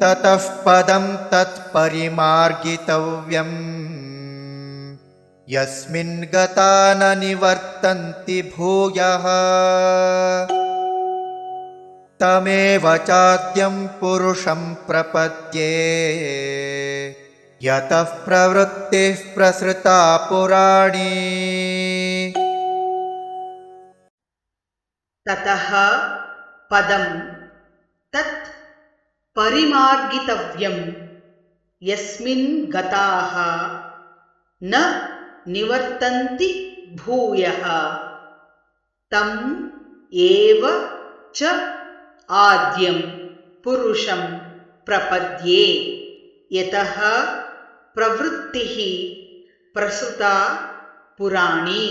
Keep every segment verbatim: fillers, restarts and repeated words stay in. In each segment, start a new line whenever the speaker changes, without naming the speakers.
ततः पदं तत्परिमार्गितव्यम् यस्मिन् गता न निवर्तन्ति भूयः तमेव चाद्यं पुरुषं प्रपद्ये यतः प्रवृत्तिः प्रसृता पुराणी।
ततः पदं तत् परिमार्गितव्यं यस्मिन् गताः न निवर्तन्ति भूयः तम् एव च आद्यं पुरुषं प्रपद्ये यतः प्रवृत्तिः प्रसृता पुराणी।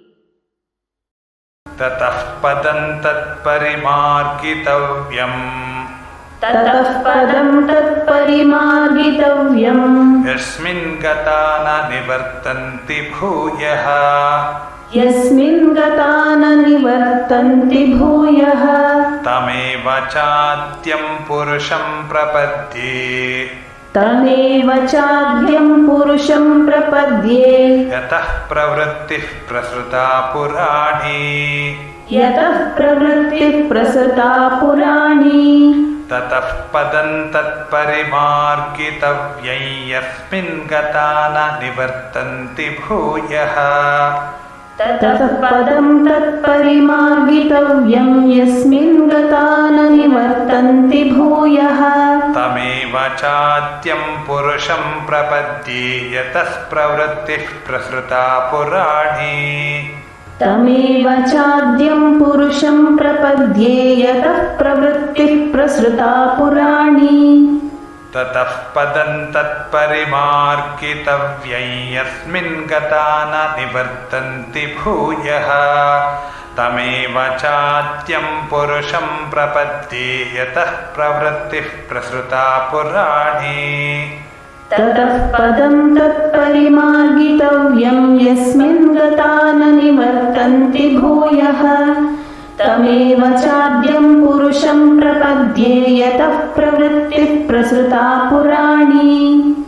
ततः पदं तत्परिमार्गितव्यम्
ततः पदं तत्परिमार्गितव्यम्
यस्मिन् गता न निवर्तन्ति भूयः
यस्मिन् गता न निवर्तन्ति भूयः
तमेव चाद्यं पुरुषं प्रपद्ये
तमेव चाद्यं पुरुषं प्रपद्ये
यतः प्रवृत्तिः प्रसृता पुराणी।
यतः प्रवृत्तिः प्रसृता पुराणी।
ततः पदं तत्परिमार्गितव्यं यस्मिन् गता न निवर्तन्ति भूयः
ततः पदं तत्परिमार्गितव्यं यस्मिन् गता न निवर्तन्ति भूयः
तमेव चाद्यं पुरुषं प्रपद्ये यतः प्रवृत्तिः प्रसृता पुराणी।
तमेव चाद्यं पुरुषं प्रपद्ये यतः प्रवृत्तिः प्रसृता पुराणी।
ततः पदं तत्परिमार्गितव्यं यस्मिन् गता न निवर्तन्ति भूयः तमेव चाद्यं पुरुषं प्रपद्ये यतः प्रवृत्तिः प्रसृता पुराणी।
ततः पदं तत्परिमार्गितव्यं यस्मिन् गता न निवर्तन्ति भूयः तमेव चाद्यं पुरुषं प्रपद्ये यतः प्रवृत्तिः प्रसृता पुराणी।